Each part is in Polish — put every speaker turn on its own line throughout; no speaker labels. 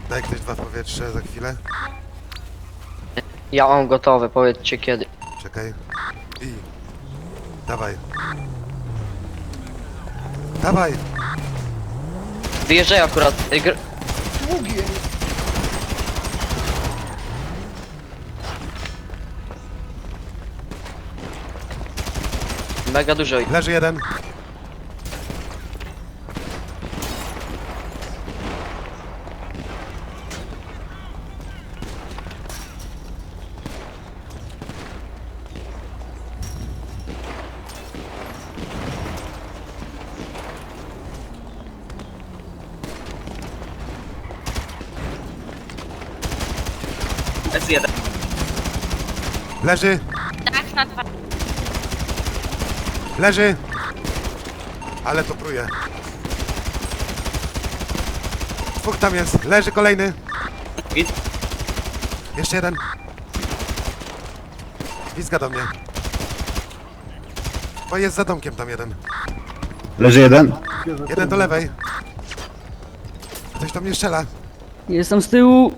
Daj ktoś dwa w powietrze za chwilę.
Ja mam gotowe, powiedzcie kiedy.
Czekaj. I... Dawaj. Dawaj!
Wyjeżdżaj akurat.
Długie.
Mega dużo.
Leży jeden.
S1.
Leży.
Tak, na dwa.
Leży. Ale to pruje. Dwóch tam jest. Leży kolejny.
Git.
Jeszcze jeden. Pizga do mnie. Bo jest za domkiem tam jeden.
Leży jeden.
Jeden do lewej. Ktoś do mnie strzela.
Jestem z tyłu.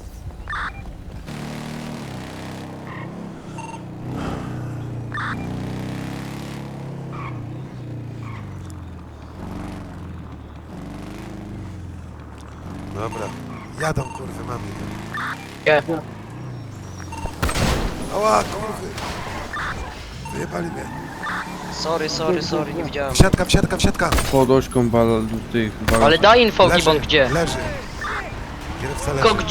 Dobra. Jadą kurwy, mamy.
Nie.
Ała, kurwy. Wyjebali mnie.
Sorry, nie widziałem.
Wsiadka, wsiadka, wsiadka.
Pod ośką tych
Ale daj info,
Leży,
Gibon, gdzie?
leży. Kierowca leży.
Tylko gdzie?